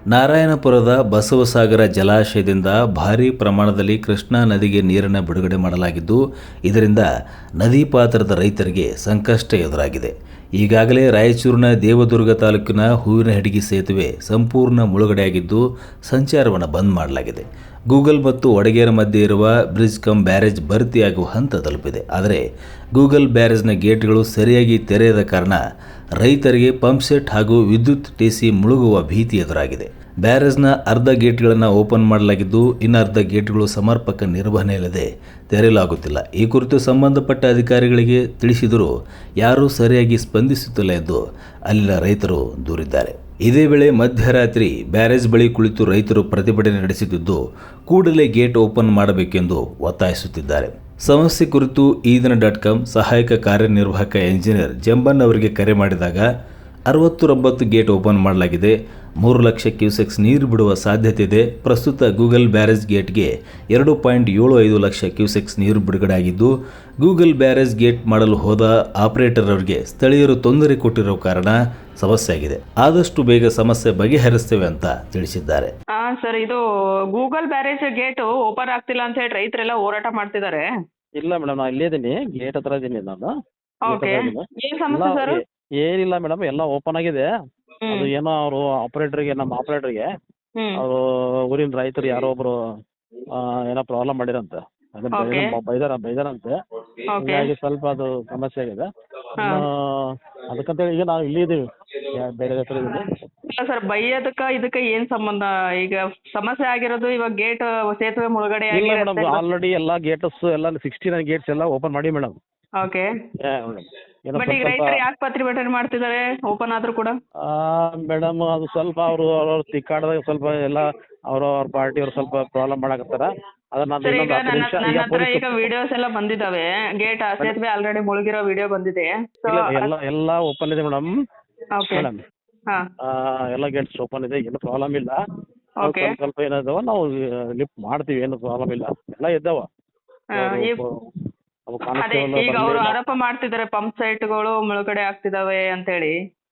ನಾರಾಯಣಪುರದ ಬಸವಸಾಗರ ಜಲಾಶಯದಿಂದ ಭಾರೀ ಪ್ರಮಾಣದಲ್ಲಿ ಕೃಷ್ಣಾ ನದಿಗೆ ನೀರನ್ನು ಬಿಡುಗಡೆ ಮಾಡಲಾಗಿದ್ದು, ಇದರಿಂದ ನದಿ ಪಾತ್ರದ ರೈತರಿಗೆ ಸಂಕಷ್ಟ ಎದುರಾಗಿದೆ. ಈಗಾಗಲೇ ರಾಯಚೂರಿನ ದೇವದುರ್ಗ ತಾಲೂಕಿನ ಹೂವಿನಹಡಗಿ ಸೇತುವೆ ಸಂಪೂರ್ಣ ಮುಳುಗಡೆಯಾಗಿದ್ದು, ಸಂಚಾರವನ್ನು ಬಂದ್ ಮಾಡಲಾಗಿದೆ. ಗೂಗಲ್ ಮತ್ತು ವಡಗೇರ ಮಧ್ಯೆ ಇರುವ ಬ್ರಿಡ್ಜ್ ಕಮ್ ಬ್ಯಾರೇಜ್ ಭರ್ತಿಯಾಗುವ ಹಂತ ತಲುಪಿದೆ. ಆದರೆ ಗೂಗಲ್ ಬ್ಯಾರೇಜ್ನ ಗೇಟ್ಗಳು ಸರಿಯಾಗಿ ತೆರೆಯದ ಕಾರಣ ರೈತರಿಗೆ ಪಂಪ್ಸೆಟ್ ಹಾಗೂ ವಿದ್ಯುತ್ ಟಿಸಿ ಮುಳುಗುವ ಭೀತಿ ಎದುರಾಗಿದೆ. ಬ್ಯಾರೇಜ್ನ ಅರ್ಧ ಗೇಟ್ಗಳನ್ನು ಓಪನ್ ಮಾಡಲಾಗಿದ್ದು, ಇನ್ನು ಅರ್ಧ ಗೇಟ್ಗಳು ಸಮರ್ಪಕ ನಿರ್ವಹಣೆ ಇಲ್ಲದೆ ತೆರೆಯಲಾಗುತ್ತಿಲ್ಲ. ಈ ಕುರಿತು ಸಂಬಂಧಪಟ್ಟ ಅಧಿಕಾರಿಗಳಿಗೆ ತಿಳಿಸಿದರೂ ಯಾರೂ ಸರಿಯಾಗಿ ಸ್ಪಂದಿಸುತ್ತಿಲ್ಲ ಎಂದು ಅಲ್ಲಿನ ರೈತರು ದೂರಿದ್ದಾರೆ. ಇದೇ ವೇಳೆ ಮಧ್ಯರಾತ್ರಿ ಬ್ಯಾರೇಜ್ ಬಳಿ ಕುಳಿತು ರೈತರು ಪ್ರತಿಭಟನೆ ನಡೆಸುತ್ತಿದ್ದು, ಕೂಡಲೇ ಗೇಟ್ ಓಪನ್ ಮಾಡಬೇಕೆಂದು ಒತ್ತಾಯಿಸುತ್ತಿದ್ದಾರೆ. ಸಮಸ್ಯೆ ಕುರಿತು ಈದಿನ.com ಸಹಾಯಕ ಕಾರ್ಯನಿರ್ವಾಹಕ ಎಂಜಿನಿಯರ್ ಜಂಬನ್ ಅವರಿಗೆ ಕರೆ ಮಾಡಿದಾಗ 69 ಗೇಟ್ ಓಪನ್ ಮಾಡಲಾಗಿದೆ, 3 ಲಕ್ಷ ಕ್ಯೂಸೆಕ್ಸ್ ನೀರು ಬಿಡುವ ಸಾಧ್ಯತೆ ಇದೆ. ಪ್ರಸ್ತುತ ಗೂಗಲ್ ಬ್ಯಾರೇಜ್ ಗೇಟ್ಗೆ 2.75 ಲಕ್ಷ ಕ್ಯೂಸೆಕ್ಸ್ ನೀರು ಬಿಡುಗಡೆ ಆಗಿದ್ದು, ಗೂಗಲ್ ಬ್ಯಾರೇಜ್ ಗೇಟ್ ಮಾಡಲು ಹೋದ ಆಪರೇಟರ್ ಅವರಿಗೆ ಸ್ಥಳೀಯರು ತೊಂದರೆ ಕೊಟ್ಟಿರೋ ಕಾರಣ ಸಮಸ್ಯೆ ಆಗಿದೆ. ಆದಷ್ಟು ಬೇಗ ಸಮಸ್ಯೆ ಬಗೆಹರಿಸ್ತೇವೆ ಅಂತ ತಿಳಿಸಿದ್ದಾರೆ. ಸರ್, ಇದು ಗೂಗಲ್ ಬ್ಯಾರೇಜ್ ಗೇಟ್ ಓಪನ್ ಆಗ್ತಿಲ್ಲ ಅಂತ ಹೇಳಿ ರೈತರೆಲ್ಲ ಹೋರಾಟ ಮಾಡ್ತಿದ್ದಾರೆ. ಇಲ್ಲ ಮೇಡಮ್, ನಾನು ಇಲ್ಲೇ ಇದೀನಿ, ಗೇಟ್ ಹತ್ರ ಇದೀನಿ ನಾನು. ಓಕೆ, ಏನ್ ಸಮಸ್ಯೆ ಸರ್? ಏನಿಲ್ಲ ಮೇಡಮ್, ಎಲ್ಲ ಓಪನ್ ಆಗಿದೆ. ಅದು ಏನೋ ಅವರು ಆಪರೇಟರ್ಗೆ, ನಮ್ಮ ಆಪರೇಟರ್ಗೆ ಅವರು ಊರಿನ ರೈತರು ಯಾರೋ ಒಬ್ರು ಏನೋ ಪ್ರಾಬ್ಲಮ್ ಮಾಡಿರಂತೆ, ಬೈದಾರಂತೆ. ಹೀಗಾಗಿ ಸ್ವಲ್ಪ ಅದು ಸಮಸ್ಯೆ ಆಗಿದೆ. ಅದಕ್ಕಂತೇಳಿ ಈಗ ನಾವು ಇಲ್ಲಿ ಇದೀವಿ, ಬೇರೆ ಹತ್ರ ಇದೀವಿ. ಇಲ್ಲ ಸರ್, ಬೈಯೋದಕ್ಕ ಇದಕ್ಕೆ ಏನ್ ಸಂಬಂಧ? ಈಗ ಸಮಸ್ಯೆ ಆಗಿರೋದು ಇವಾಗ ಗೇಟ್ ಸೇತುವೆ ಮುಳುಗಡೆ ಇಲ್ಲ ಮೇಡಮ್, ಆಲ್ರೆಡಿ ಎಲ್ಲ ಗೇಟ್ಸ್ ಎಲ್ಲ 69 ಗೇಟ್ಸ್ ಎಲ್ಲ ಓಪನ್ ಮಾಡಿ ಮೇಡಮ್. ಓಕೆ, ಬಟ್ ಈಗ ರೈತರು ಯಾಕೆ ಪ್ರತಿಭಟನೆ ಮಾಡ್ತಿದ್ದಾರೆ ಓಪನ್ ಆದ್ರೂ ಕೂಡ? ಮೇಡಮ್, ಅದು ಸ್ವಲ್ಪ ಅವ್ರ ತಿಕ್ಕಾಡದಾಗ ಸ್ವಲ್ಪ ಎಲ್ಲ ಅವ್ರ ಪಾರ್ಟಿಯವ್ರು ಸ್ವಲ್ಪ ಪ್ರಾಬ್ಲಮ್ ಮಾಡಕತ್ತಾರ. ಈಗ ವಿಡಿಯೋಸ್ ಎಲ್ಲ ಬಂದಿದ್ದಾವೆ, ಗೇಟ್ ಸೇತುವೆ ಆಲ್ರೆಡಿ ಮುಳುಗಿರೋ ವಿಡಿಯೋ ಬಂದಿದೆ. ಎಲ್ಲ ಓಪನ್ ಇದೆ ಮೇಡಮ್. ಮೇಡಮ್, ಎಲ್ಲ ಗೇಟ್ಸ್ ಓಪನ್ ಇದೆ, ಏನು ಪ್ರಾಬ್ಲಮ್ ಇಲ್ಲ. ಸ್ವಲ್ಪ ಏನಾದವ ನಾವು ಲಿಫ್ಟ್ ಮಾಡ್ತೀವಿ, ಏನು ಪ್ರಾಬ್ಲಮ್ ಇಲ್ಲ, ಎಲ್ಲ ಇದ್ದಾವ. ಈಗ ಅವರು ಆರೋಪ ಮಾಡ್ತಿದ್ದಾರೆ ಪಂಪ್ ಸೈಟ್ಗಳು ಮುಳುಗಡೆ ಆಗ್ತಿದಾವೆ ಅಂತ ಹೇಳಿ.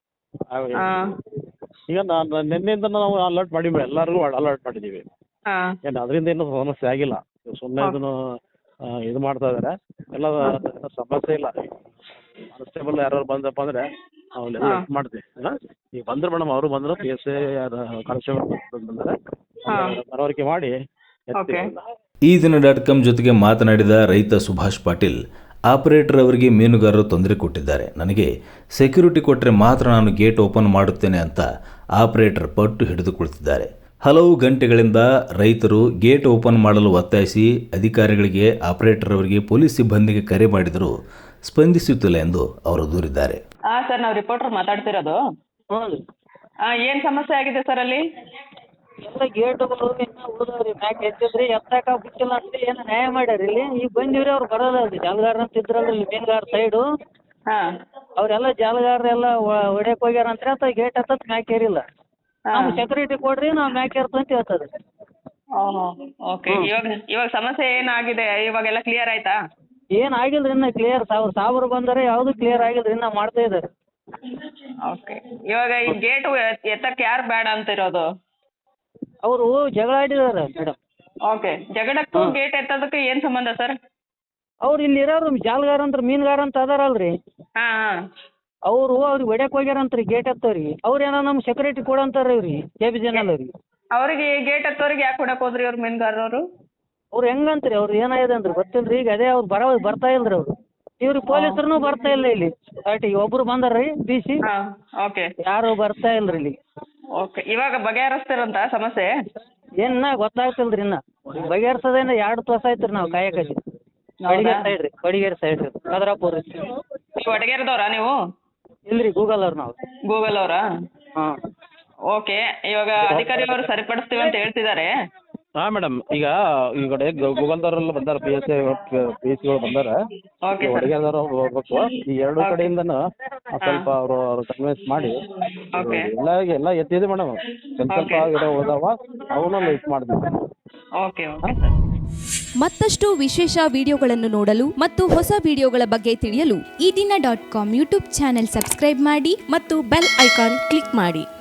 ಈಗ ನಿನ್ನೆಯಿಂದ ನಾವು ಅಲರ್ಟ್ ಮಾಡಿದ್ವಿ, ಎಲ್ಲರಿಗೂ ಅಲರ್ಟ್ ಮಾಡಿದೀವಿ. ಏನು ಅದರಿಂದ ಏನು ಸಮಸ್ಯೆ ಆಗಿಲ್ಲ. ಸುಮ್ಮನೆ ಇದನ್ನು ಇದು ಮಾಡ್ತಾ ಇದಾರೆ, ಎಲ್ಲ ಸಮಸ್ಯೆ ಇಲ್ಲ. ಕಾನ್ಸ್ಟೇಬಲ್ ಯಾರು ಬಂದಪ್ಪ ಅಂದ್ರೆ ನಾವು ಹೆಲ್ಪ್ ಮಾಡ್ತೀವಿ. ಈಗ ಬಂದ್ರು ಮೇಡಮ್, ಅವರು ಬಂದ್ರು, PSI ಕಾನ್ಸ್ಟೇಬಲ್ ಬಂದರೆ ಮನವರಿಕೆ ಮಾಡಿ. ಈದಿನ.com ಜೊತೆಗೆ ಮಾತನಾಡಿದ ರೈತ ಸುಭಾಷ್ ಪಾಟೀಲ್, ಆಪರೇಟರ್ ಅವರಿಗೆ ಮೀನುಗಾರರು ತೊಂದರೆ ಕೊಟ್ಟಿದ್ದಾರೆ. ನನಗೆ ಸೆಕ್ಯೂರಿಟಿ ಕೊಟ್ಟರೆ ಮಾತ್ರ ನಾನು ಗೇಟ್ ಓಪನ್ ಮಾಡುತ್ತೇನೆ ಅಂತ ಆಪರೇಟರ್ ಪಟ್ಟು ಹಿಡಿದು ಕುಳಿತಿದ್ದಾರೆ. ಹಲವು ಗಂಟೆಗಳಿಂದ ರೈತರು ಗೇಟ್ ಓಪನ್ ಮಾಡಲು ಒತ್ತಾಯಿಸಿ ಅಧಿಕಾರಿಗಳಿಗೆ, ಆಪರೇಟರ್ ಅವರಿಗೆ, ಪೊಲೀಸ್ ಸಿಬ್ಬಂದಿಗೆ ಕರೆ ಮಾಡಿದರೂ ಸ್ಪಂದಿಸುತ್ತಿಲ್ಲ ಎಂದು ಅವರು ದೂರಿದ್ದಾರೆ. ಸರ್, ನಾವು ರಿಪೋರ್ಟರ್ ಮಾತಾಡ್ತಿರೋದು. ಏನ್ ಸಮಸ್ಯೆ ಆಗಿದೆ ಸರ್ ಅಲ್ಲಿ? ಎಲ್ಲ ಗೇಟ್ಗಳು ಇನ್ನೂ ಉಳಿದವ್ರಿ, ಮ್ಯಾಕ್ ಎತ್ತಿದ್ರಿ, ಎತ್ತಾಕ ಬಿಟ್ಟಿಲ್ಲ ಅಂತ ಏನು ನ್ಯಾಯ ಮಾಡ್ಯಾರ ಇಲ್ಲಿ. ಈಗ ಬಂದಿವ್ರಿ, ಅವ್ರು ಬರೋದಲ್ರಿ, ಜಾಲಗಾರ ಅಂತ ಇದ್ರಲ್ರಿ ಮೀನುಗಾರ ಸೈಡು, ಅವ್ರೆಲ್ಲ ಜಾಲಗಾರರೆಲ್ಲ ಹೊಡ್ಯಕ್ ಹೋಗ್ಯಾರ ಅಂತ ಹೇಳ್ತಾರೆ. ಗೇಟ್ ಹತ್ತತ್ ಮ್ಯಾಕ್ ಏರಿಲ್ಲ. ನಾವು ಸೆಕ್ಯೂರಿಟಿ ಕೊಡ್ರಿ, ನಾವು ಮ್ಯಾಕ್ ಏರ್ತು ಅಂತ ಹೇಳ್ತದೆ. ಓಕೆ, ಇವಾಗ ಸಮಸ್ಯೆ ಏನಾಗಿದೆ? ಇವಾಗೆಲ್ಲ ಕ್ಲಿಯರ್ ಆಯ್ತಾ? ಏನ್ ಆಗಿಲ್ರಿ ಇನ್ನ ಕ್ಲಿಯರ್. ಸಾವಿರ ಬಂದರೆ ಯಾವ್ದು ಕ್ಲಿಯರ್ ಆಗಿಲ್ರಿ, ಇನ್ನ ಮಾಡ್ತಾ ಇದಾರೆ. ಓಕೆ, ಇವಾಗ ಈ ಗೇಟ್ ಎತ್ತಕ್ಕೆ ಯಾರು ಬೇಡ ಅಂತ ಇರೋದು? ಅವರು ಜಗಳ ಆಡಿದಾರೆ ಮೇಡಮ್. ಓಕೆ, ಜಗಳಕ್ಕೂ ಗೇಟ್ ಎತ್ತೋದಕ್ಕೆ ಏನ್ ಸಂಬಂಧ ಸರ್? ಅವ್ರು ಇಲ್ಲಿ ಇರೋರು ಜಾಲಗಾರ ಅಂತ, ಮೀನುಗಾರ ಅಂತ ಅದಾರಲ್ರಿ, ಅವರು ಅವ್ರಿಗೆ ಹೊಡ್ಯಕ್ ಹೋಗ್ಯಾರಂತ್ರಿ ಗೇಟ್ ಎತ್ತವ್ರಿಗೆ. ಅವ್ರೇನೋ ನಮ್ ಸೆಕ್ಯೂರಿಟಿ ಕೊಡಂತಾರ ಇವ್ರಿಗೆ, KBJNL ಅವ್ರಿಗೆ. ಅವ್ರಿಗೆ ಗೇಟ್ ಎತ್ತೋರಿಗೆ ಯಾಕೆ ಹೊಡಕ್ ಹೋದ್ರಿ ಅವ್ರು ಮೀನುಗಾರರು? ಅವ್ರು ಹೆಂಗಂತ್ರಿ, ಅವ್ರು ಏನಾಗಿದೆ ಅಂದ್ರೆ ಗೊತ್ತಿಲ್ರಿ. ಈಗ ಅದೇ ಅವ್ರು ಬರ್ತಾ ಇಲ್ರಿ ಅವ್ರು. ಇವ್ರಿಗೆ ಪೊಲೀಸರು ಬರ್ತಾ ಇಲ್ಲ ಇಲ್ಲಿ. ಪಾರ್ಟಿಗೆ ಒಬ್ರು ಬಂದಾರ್ರಿ, DC. ಯಾರು ಬರ್ತಾ ಇಲ್ರಿ ಇಲ್ಲಿ. ಓಕೆ, ಇವಾಗ ಬಗೆಹರಿಸ್ತಿರಂತ ಸಮಸ್ಯೆ? ಏನ ಗೊತ್ತಾಗ್ತಿಲ್ರಿ, ಇನ್ನ ಬಗೆಹರಿಸೋದೇನ 2 ತಾಸ ಆಯ್ತ್ರಿ ನಾವು ಕಾಯಕತ್ತಿ. ಕೊಡಿಗೇರಿ ಸೈಡ್ ರೀ, ಕದ್ರಾಪುರ. ವಡಗೇರದವ್ರಾ ನೀವು? ಇಲ್ರಿ, ಗೂಗಲ್ ಅವ್ರು ನಾವು. ಗೂಗಲ್ ಅವರಾ? ಓಕೆ, ಇವಾಗ ಅಧಿಕಾರಿಯವರು ಸರಿಪಡಿಸ್ತೀವಿ ಅಂತ ಹೇಳ್ತಿದ್ದಾರೆ. ಹಾಂ ಮೇಡಮ್, ಈಗ ಈ ಕಡೆ ಗೂಗಲ್ದವರೆಲ್ಲ ಬಂದಾರ, PSಗಳು ಬಂದಾರ, ವಡಗೇರದವ್ರು ಹೋಗ್ಬೇಕು. ಈ 2 ಕಡೆಯಿಂದನೂ ಸ್ವಲ್ಪ ಅವರು ಕನ್ವಿನ್ಸ್ ಮಾಡಿ ಎಲ್ಲ ಎತ್ತಿದೆ ಮೇಡಮ್. ಸ್ವಲ್ಪ ಗಿಡ ಹೋದಾವ, ಅವನ್ನ ಲೈಟ್ ಮಾಡಿದ್ವಿ. ಮತ್ತಷ್ಟು ವಿಶೇಷ ವಿಡಿಯೋಗಳನ್ನು ನೋಡಲು ಮತ್ತು ಹೊಸ ವಿಡಿಯೋಗಳ ಬಗ್ಗೆ ತಿಳಿಯಲು ಈದಿನ.com ಯೂಟ್ಯೂಬ್ ಚಾನೆಲ್ ಸಬ್ಸ್ಕ್ರೈಬ್ ಮಾಡಿ ಮತ್ತು ಬೆಲ್ ಐಕಾನ್ ಕ್ಲಿಕ್ ಮಾಡಿ.